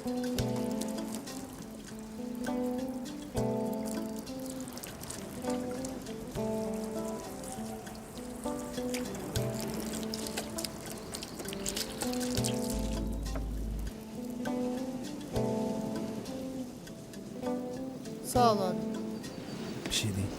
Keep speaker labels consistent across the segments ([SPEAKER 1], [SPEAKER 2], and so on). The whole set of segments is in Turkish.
[SPEAKER 1] Sağ ol abi.
[SPEAKER 2] Bir şey değil.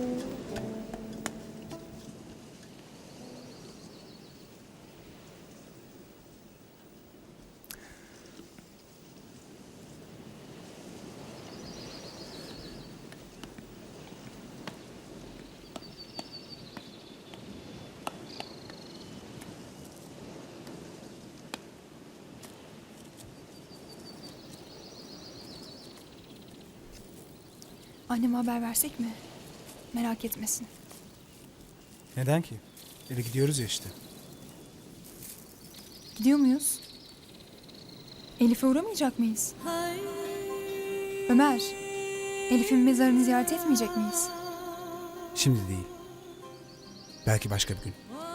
[SPEAKER 3] Anneme haber versek mi? Merak etmesin.
[SPEAKER 2] Neden ki? Eve gidiyoruz ya işte.
[SPEAKER 3] Gidiyor muyuz? Elif'e uğramayacak mıyız? Ömer, Elif'in mezarını ziyaret etmeyecek miyiz?
[SPEAKER 2] Şimdi değil. Belki başka bir gün.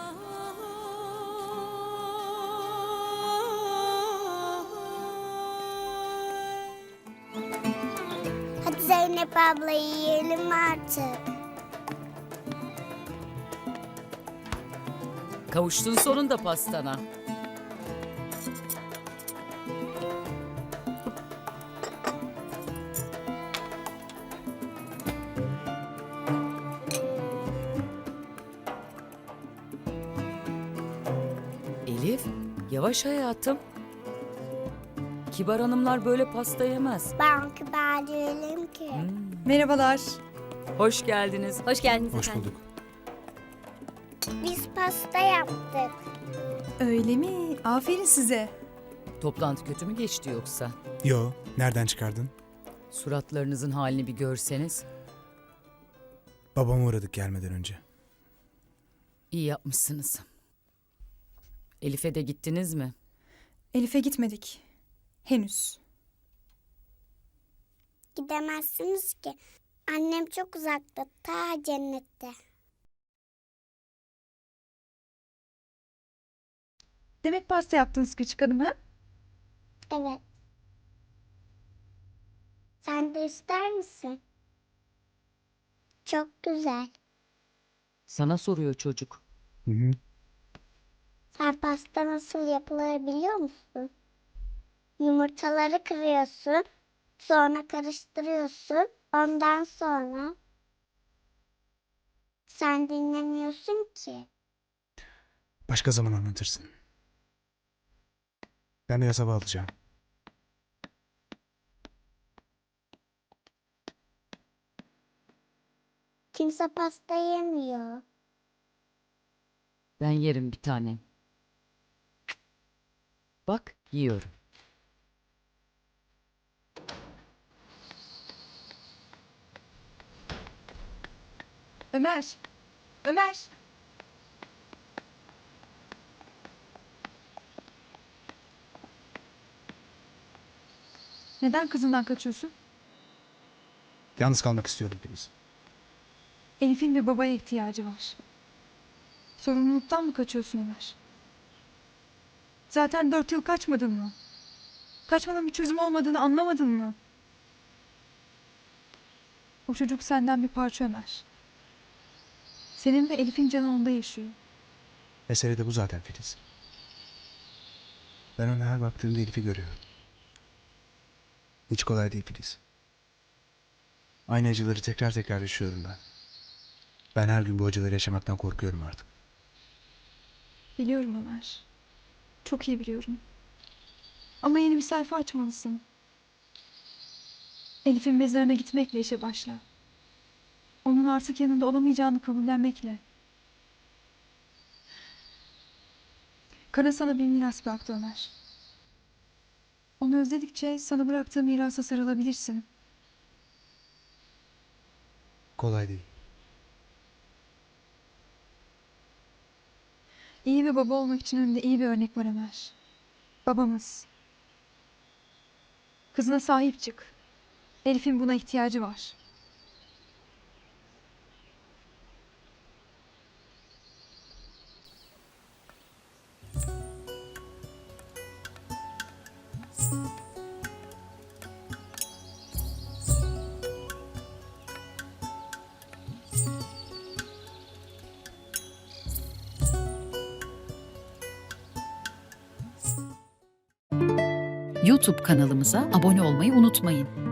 [SPEAKER 4] Hadi Zeynep abla yiyelim artık.
[SPEAKER 5] Kavuştun sonunda pastana. Elif, yavaş hayatım. Kibar hanımlar böyle pasta yemez.
[SPEAKER 4] Ben kibar değilim ki.
[SPEAKER 3] Merhabalar.
[SPEAKER 5] Hoş geldiniz.
[SPEAKER 6] Hoş geldiniz
[SPEAKER 2] Hoş
[SPEAKER 6] efendim.
[SPEAKER 2] bulduk.
[SPEAKER 4] Biz pasta yaptık.
[SPEAKER 3] Öyle mi? Aferin size.
[SPEAKER 5] Toplantı kötü mü geçti yoksa?
[SPEAKER 2] Yo, nereden çıkardın?
[SPEAKER 5] Suratlarınızın halini bir görseniz.
[SPEAKER 2] Babama uğradık gelmeden önce.
[SPEAKER 5] İyi yapmışsınız. Elif'e de gittiniz mi?
[SPEAKER 3] Elif'e gitmedik. Henüz.
[SPEAKER 4] Gidemezsiniz ki. Annem çok uzakta, ta cennette.
[SPEAKER 3] Demek pasta yaptınız küçük hanım ha?
[SPEAKER 4] Evet. Sen de ister misin? Çok güzel.
[SPEAKER 5] Sana soruyor çocuk.
[SPEAKER 2] Hı hı.
[SPEAKER 4] Sen pasta nasıl yapılır biliyor musun? Yumurtaları kırıyorsun, sonra karıştırıyorsun. Ondan sonra sen dinlemiyorsun ki.
[SPEAKER 2] Başka zaman anlatırsın. Ben biraz hava alacağım.
[SPEAKER 4] Kimse pasta yemiyor.
[SPEAKER 5] Ben yerim bir tane. Bak, yiyorum.
[SPEAKER 3] Ömer. Ömer. Neden kızından kaçıyorsun?
[SPEAKER 2] Yalnız kalmak istiyordum Filiz.
[SPEAKER 3] Elif'in bir babaya ihtiyacı var. Sorumluluktan mı kaçıyorsun Ömer? Zaten 4 yıl kaçmadın mı? Kaçmanın bir çözüm olmadığını anlamadın mı? O çocuk senden bir parça Ömer. Senin ve Elif'in canı onda yaşıyor.
[SPEAKER 2] Mesele de bu zaten Filiz. Ben ona her baktığımda Elif'i görüyorum. Hiç kolay değil Filiz. Aynı acıları tekrar tekrar yaşıyorum ben. Ben her gün bu acıları yaşamaktan korkuyorum artık.
[SPEAKER 3] Biliyorum Ömer. Çok iyi biliyorum. Ama yeni bir sayfa açmalısın. Elif'in mezarına gitmekle işe başla. Onun artık yanında olamayacağını kabullenmekle. Kara sana bir miras bıraktı Ömer. Onu özledikçe sana bıraktığı mirasa sarılabilirsin.
[SPEAKER 2] Kolay değil.
[SPEAKER 3] İyi bir baba olmak için önünde iyi bir örnek var Ömer. Babamız. Kızına sahip çık. Elif'in buna ihtiyacı var.
[SPEAKER 6] YouTube kanalımıza abone olmayı unutmayın.